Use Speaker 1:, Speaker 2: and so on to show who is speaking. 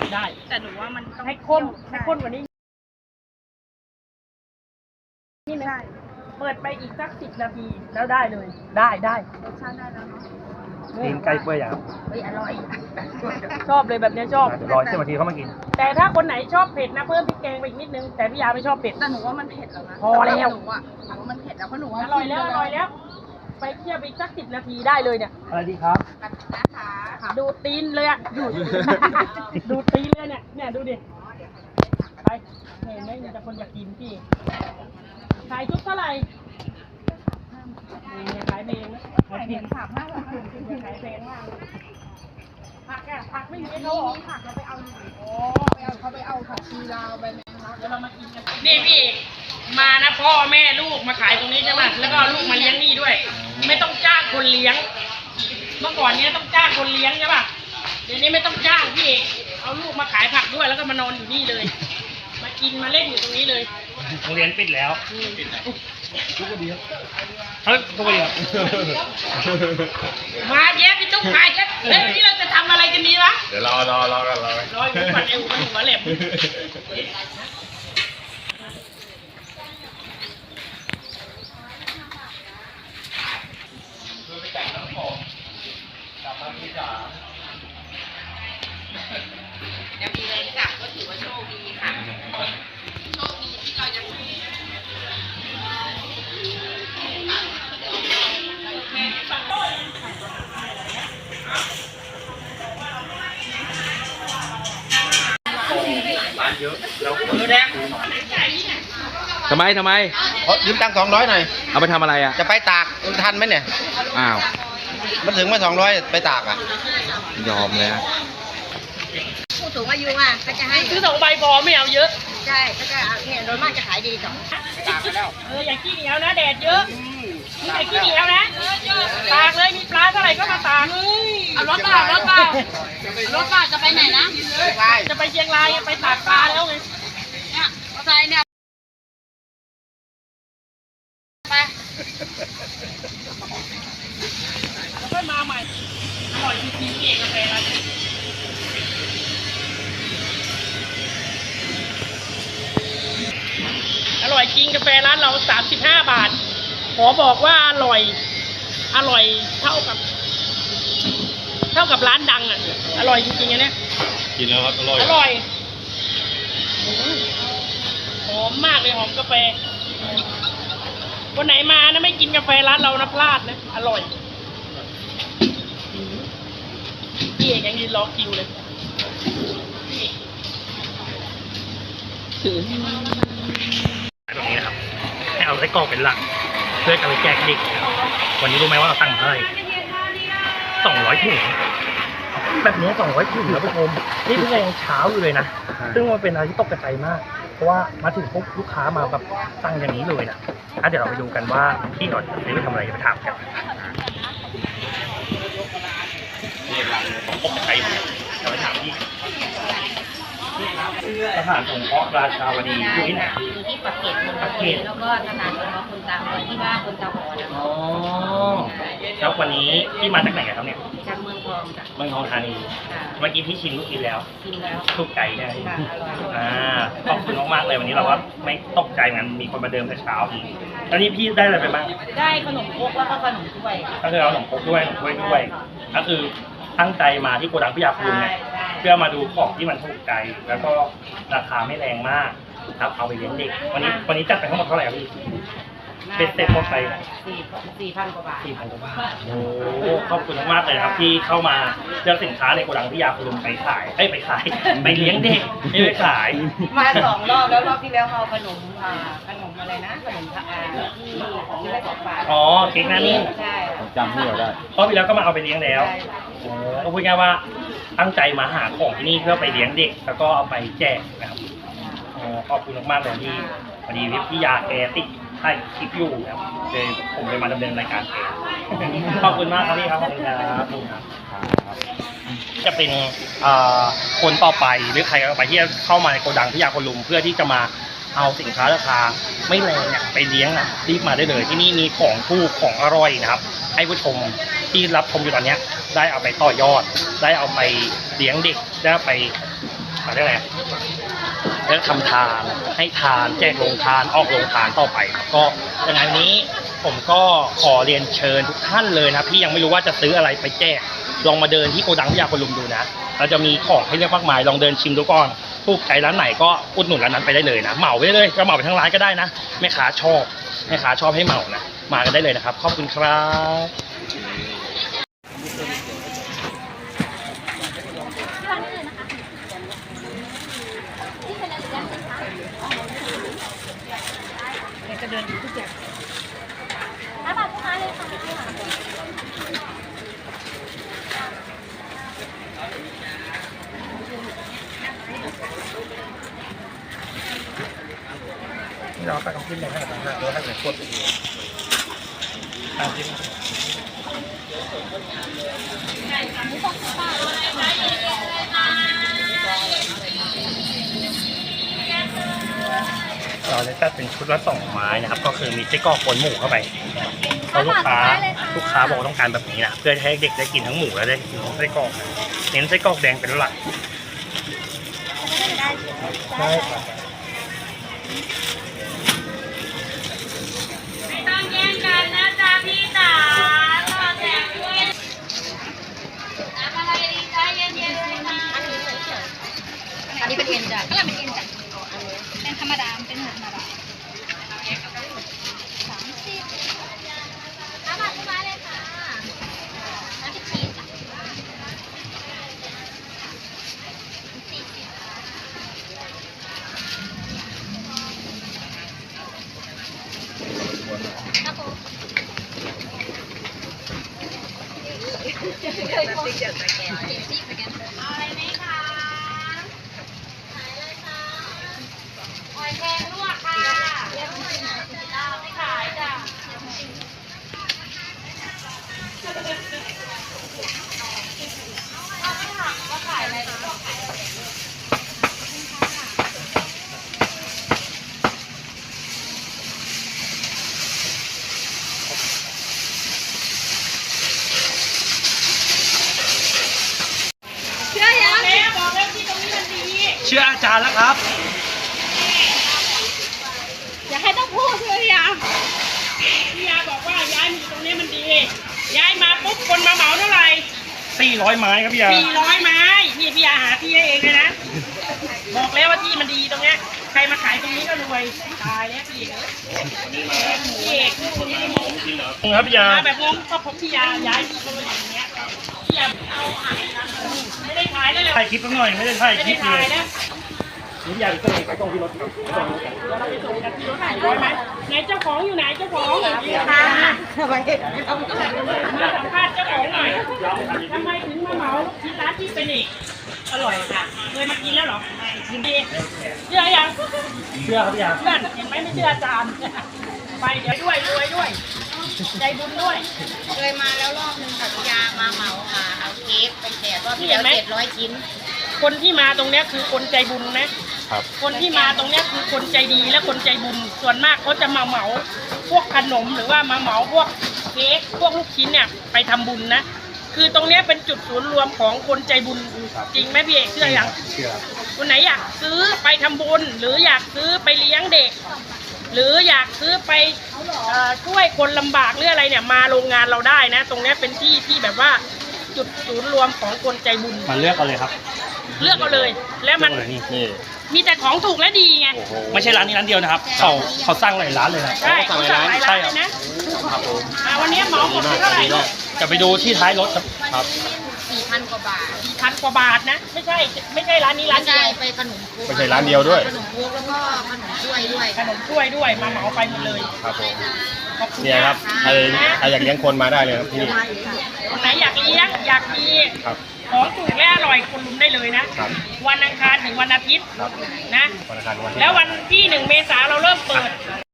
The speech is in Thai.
Speaker 1: ได้
Speaker 2: แต่หนูว่ามันต้อง
Speaker 1: ให้ข้นกว่านี้นี่ไหมเปิดไปอีกสัก10 นาทีแล้วได้เลยได้
Speaker 2: รสชาติได้แล้วเนาะ
Speaker 3: ตีนไก่เปื่อยอย่าง
Speaker 1: เฮ้ยอร่อยชอบเลยแบบนี้ชอบ
Speaker 3: เดี๋ยวรอ10 นาทีเข้ามากิน
Speaker 1: แต่ถ้าคนไหนชอบเผ็ดนะเพิ่มพริกแกงไปอีกนิดนึงแต่พี่ยาไม่ชอบเผ็ด
Speaker 2: แต่หนูว่ามันเผ็ดแล้วนะ
Speaker 1: พอแล้ว
Speaker 2: หนูว่ามันเผ็ดแล้วเพราะหนูว่า
Speaker 1: อร่อยแล้ว ไปเคี่ยวไปอีกสัก10 นาทีได้เลยเนี่ย
Speaker 3: อะไรดีครับ
Speaker 2: นะคะ
Speaker 1: ดูดตีนเลยอะดูดตีนเลยเนี่ยดูดิไปเห็นไหมมีแต่คนอยากกินพี่ขายชุดเท่าไหร่นี่ขายเองนะ
Speaker 2: ไข่เห็น3-5 บาท
Speaker 1: ขายแพงมากผักไม่มีเขาหรอ
Speaker 2: ผักเราไปเอาหน่อยเขาไปเอาผักชีลาวไปแมงลัก
Speaker 1: เดี๋ยวเรามากินกันนี่พี่มานะพ่อแม่ลูกมาขายตรงนี้ใช่ไหมแล้วก็ลูกมาเลี้ยงนี่ด้วย ไม่ต้องจ้างคนเลี้ยง เมื่อก่อนเนี้ยต้องจ้างคนเลี้ยงใช่ป่ะเดี๋ยวนี้ไม่ต้องจ้างพี่เอาลูกมาขายผักด้วยแล้วก็มานอนอยู่นี่เลย มากินมาเล่นอยู่ตรงนี้เลย
Speaker 3: โรงเรียนปิดแล้วทุกคนดีครับเฮ้ยทุกคนดีครับ
Speaker 1: มาแย่พี่ตุ๊กขายกันเฮ้ยวันนี้เราจะทำอะไรกันดีวะ
Speaker 4: เดี๋ยวรอกัน
Speaker 1: รออยู่ก่อนเอวกันหัวแหลมยังมีแรงกลับก็ถือว่าโชคดีค่ะโชคดีที่เราจะ
Speaker 4: ทำไม
Speaker 5: ยืมตังค์200หน่อย
Speaker 4: เอาไปทำอะไรอ่ะ
Speaker 5: จะไปตากทันไหมเนี่ย
Speaker 4: อ้าว
Speaker 5: มันถึงมา200ไปตากอ่ะ
Speaker 4: ยอมเลยนะ
Speaker 2: ผู้สูงอายุอ่ะก็จะให้
Speaker 1: ซื้อ2 ใบพอไม่เอาเยอะ
Speaker 2: ใช่ก็จะเนี่ยโดยมากจะขายดีต่อ
Speaker 1: อย่าขี้เหนียวนะแดดเยอะมีแต่ขี้เหนียวนะตากเลยมีปลาเท่าไหร่ก็มาตาก
Speaker 2: เอารถเปล่าจะไปไหนนะ
Speaker 1: จะไปเชียงรายไปตากปลาแล้วไง
Speaker 2: เนี่ยมอเตอร์ไซค์เนี่ยไป
Speaker 1: แล้วก็มาใหม่อร่อยจริงๆเองกาแฟร้านนี้อร่อยจริงกาแฟร้านเรา35 บาทขอบอกว่าอร่อยเท่ากับร้านดังอ่ะอร่อยจริงๆอันเนี้ย
Speaker 4: กินแล้วครับ อร่อย
Speaker 1: อร่อยหอมมากเลยหอมกาแฟวันไหนมานะไม่กินกาแฟร้านเรานะพลาดนะอร่อยพี่เอกยังยืนรอคิวเลย
Speaker 3: แบบนี้นะครับให้เอาไส้กรอกเป็นหลักเพื่อจะไปแจกเด็กนะครับวันนี้รู้ไหมว่าเราตั้งเท่าไหร่200 ถุงแบบนี้200 ถุงแล้วผู้ชมนี่เพิ่งยังเช้าอยู่เลยนะซึ่งมันเป็นอะไรที่ตกใจมาก เพราะว่ามาถึงปุ๊บลูกค้ามาแบบสั่งอย่างนี้เลยนะเดี๋ยวเราไปดูกันว่าพี่หน่อยจะไปทำอะไรไปถามกันตกใจมากเดี๋ยวไปถามพี่สถานสงเคราะห์ราชาวดีอยู่ที่ไหน
Speaker 2: อยู่ที่ปากเกร็ดนนทบุรีแล้วก็สถานสงเคราะห์คนตาบอดที่บ้านคนตาบอดนะคะ
Speaker 3: อ๋อแล้ววันนี้พี่มาจากไหนครับเนี่ย
Speaker 2: จากเมืองทองจ้ะ
Speaker 3: เมืองทองธานี
Speaker 2: ค่ะ
Speaker 3: เมื่อกี้พี่ชิมลูกชิ้นแล้ว
Speaker 2: กินแล้ว
Speaker 3: ถูกใจใช่ไหม
Speaker 2: ค่ะอร่อย
Speaker 3: ขอบคุณมากๆเลยวันนี้เราว่าไม่ตกใจมันมีคนมาเดิมแต่เช้าอีกแล้วนี่พี่ได้อะไรไปบ้าง
Speaker 2: ได้ขนมครกแล้วก็ขนมถ้วย
Speaker 3: ก็คือเอาขนมครกด้วยขนมถ้วยด้วยก็คือตั้งใจมาที่โกดังพิยาภูมิเนี่ยเพื่อมาดูของที่มันถูกใจ แล้วก็ราคาไม่แรงมากครับเอาไปเลี้ยงเด็กวันนี้จัดไปทั้งหมดเท่าไหร่ครับพี่ เป็นเต็มหมดไป
Speaker 2: 4,000 กว่าบาท
Speaker 3: 4,000 กว่าบาทโอ้ขอบคุณมากๆเลยครับที่เข้ามาเลือกสินค้าในโกดังพิยาภูมิไปขายไปเลี้ยงเด็กไม่ไปขาย
Speaker 2: มา2 รอบแล้วรอบที่แล้วเอาขนมอะไรนะขนมที่ได้ของฝาก
Speaker 3: อ๋อเค้กหน้านิ่ง
Speaker 2: ใช่
Speaker 4: จำที่เราได้
Speaker 3: รอบที่แล้วก็มาเอาไปเลี้ยงแล้วก็พูดง่ายว่าตั้งใจมาหาของที่นี่เพื่อไปเลี้ยงเด็กแล้วก็เอาไปแจกนะครับขอบคุณมากๆเลยที่พอดีพี่ยาแกติดถ่ายคลิปอยู่นะครับเลยผมเลยมาดำเนินรายการเองขอบคุณมากครับพี่ครับขอบคุณครับจะเป็นคนต่อไปหรือใครต่อไปที่จะเข้ามาในโกดังพิยาคนลุมเพื่อที่จะมาเอาสินค้าราคาไม่แรงเนี่ยไปเลี้ยงนะรีบมาได้เลยที่นี่มีของถูกของอร่อยนะครับให้ผู้ชมที่รับชมอยู่ตอนนี้ได้เอาไปต่อยอดได้เอาไปเลี้ยงเด็กได้ไปอะไรยกอะไรแล้วทำทานให้ทานแจกโรงทานออกโรงทานต่อไปครับก็ยังไงวันนี้ผมก็ขอเรียนเชิญทุกท่านเลยนะที่ยังไม่รู้ว่าจะซื้ออะไรไปแจกลองมาเดินที่โกดังพิยาคนลุมดูนะเราจะมีของให้เลือกมากมายลองเดินชิมดูก่อนถูกใจร้านไหนก็อุดหนุนร้านนั้นไปได้เลยนะเหมาไปได้เลยก็เหมาไปทั้งร้านก็ได้นะแม่ค้าชอบให้เหมานะมากันได้เลยนะครับขอบคุณครับเราไปต้องขึ้นเลยให้กับทางห้างแล้วให้เหมือนกดตามที่เราเลยตัดเป็นชุดละ2 ไม้นะครับก็คือมีไส้กรอกปนหมูเข้าไปเพราะลูกค้าบอกต้องการแบบนี้นะเพื่อให้เด็กได้กินทั้งหมูและได้กินทั้งไส้กรอกเน้นไส้กรอกแดงเป็นหลักใช่ครับ
Speaker 1: ไม่ต้องแย่งกันนะจ๊ะพี่จ๋าต่อแถวด้วยน้ำอะไรดีจ๊ะเย็นๆเลยนะอันนี้เป็นเอ็นจ้ะก็เป็นเอ็นจ้ะเป็นธรรมดาเป็นหมูธรรมดา30 5 บาททุกไม้เลยค่ะแล้วก็ชีสจ้ะครับผมเอาอะไรไหมคะขายอะไรคะหอยแครงลวกค่ะไม่ขายจ้ะเอาไม่ถามว่าขายอะไรหรือว่าขายอะไรบอกแล้วที่ตรงนี้มันดี
Speaker 3: เชื่ออาจารย์แล้วครับ
Speaker 1: อย่าให้ต้องพูดเลยพี่ยาบอกว่าย้ายมาอยู่ตรงนี้มันดี ย้ายมาปุ๊บคนมาเหมาเท่าไหร่
Speaker 3: 400 ไม้ครับพี่ยา
Speaker 1: 400 ไม้นี่พี่ยาหาที่ให้เองเลยนะ บอกแล้วว่าที่มันดีตรงเนี้ยใครมาขายตรงนี้ก็รวยตายแล้วพี่เอกพี่เอกคุณไม่ได้มอง
Speaker 3: ครับพี่ยา
Speaker 1: มาแบบงงก็ผมพี่ยาย้ายที่ตรงนี้อย่างเงี้ยพี่ยาเอาอ่านไม่ได้ขายแล้วเลย
Speaker 3: ถ่ายคลิปสักหน่อยไม่ได้ถ่าย
Speaker 1: ไม่
Speaker 3: คลิ
Speaker 1: ได้
Speaker 3: ปเล
Speaker 1: ขาย
Speaker 3: ย
Speaker 1: แล้ว
Speaker 3: นี่พี่ยาไปส่งไปตรงที่รถครับ
Speaker 1: เราไปส่งกันที่รถ400 ไหมไหนเจ้าของอยู่ไหนเจ้าของค่ะมาสัมภาษณ์เจ้าของหน่อยทำไมถึงมาเหมาที่ร้านที่เป็นอีกอร่อยค่ะเคยมากินแล้วเหรอกินดีเชื่อยัง
Speaker 3: เชื่อครับพี่ยา
Speaker 1: เพื่อนเห็นไหมไม่เชื่ออาจารย์ไปเดี๋ยวด้วยรวยด้วยใจบุญด้วย
Speaker 2: เคยมาแล้วรอบนึงค่ะพี่ยามาเหมาเอาเค้กไปแจกรอบที่แล้ว700 ชิ้น
Speaker 1: คนที่มาตรงเนี้ยคือคนใจบุญนะครับ คนที่มาตรงเนี้ยคือคนใจดีและคนใจบุญส่วนมากเขาจะมาเหมาพวกขนมหรือว่ามาเหมาพวกเค้กพวกลูกชิ้นเนี่ยไปทำบุญนะคือตรงเนี้ยเป็นจุดศูนย์รวมของคนใจบุญจริงไหมพี่เอกเชื่อยัง
Speaker 3: เชื่อ
Speaker 1: คนไหนอยากซื้อไปทำบุญหรืออยากซื้อไปเลี้ยงเด็ก หรืออยากซื้อไปช่วยคนลำบากหรืออะไรเนี่ยมาโรงงานเราได้นะ ตรงเนี้ยเป็นที่ที่แบบว่าจุดศูนย์รวมของคนใจบุญ
Speaker 3: มาเลือกเอาเลยครับ
Speaker 1: เลือกเอาเลย แล้วมัน
Speaker 3: เลือกเอาเลยนี่
Speaker 1: มีแต่ของถูกและดีไง
Speaker 3: ไม่ใช่ร้านนี้ร้านเดียวนะครับเขาสร้างหลายร้านเลยนะ
Speaker 1: ใช่เขาสั่งหลายร้านเลยนะวันนี้เหมาหมดเท่าไหร่ลูก
Speaker 3: จะไปดูที่ท้ายรถครับ
Speaker 2: 4,000 กว่าบาท
Speaker 1: 4,000 กว่าบาทนะไม่ใช่ร้านนี้ร้านเดียว
Speaker 2: ไปขนมคุก
Speaker 5: ไม่ใช่ร้านเดียวด้วย
Speaker 2: ขนมคุกแล้วก็ขนมถ้วยด้วย
Speaker 1: ขนมถ้วยด้วยมาเหมาไปหมดเลย
Speaker 5: ครับผม
Speaker 1: ขอบคุณ
Speaker 5: เนี่ยครับใครอยากเลี้ยงคนมาได้เลยครับที่นี่
Speaker 1: คนไหนอยากเลี้ยงอยากมี
Speaker 5: ครับ
Speaker 1: ของถูกและอร่อยคนลุมได้เลยนะ
Speaker 5: ครับ
Speaker 1: วันอังคารถึงวันอาทิตย์
Speaker 5: ครับ
Speaker 1: นะ
Speaker 5: วันอังคารวันที่
Speaker 1: แล้ววันที่1 เมษายนเราเริ่มเปิด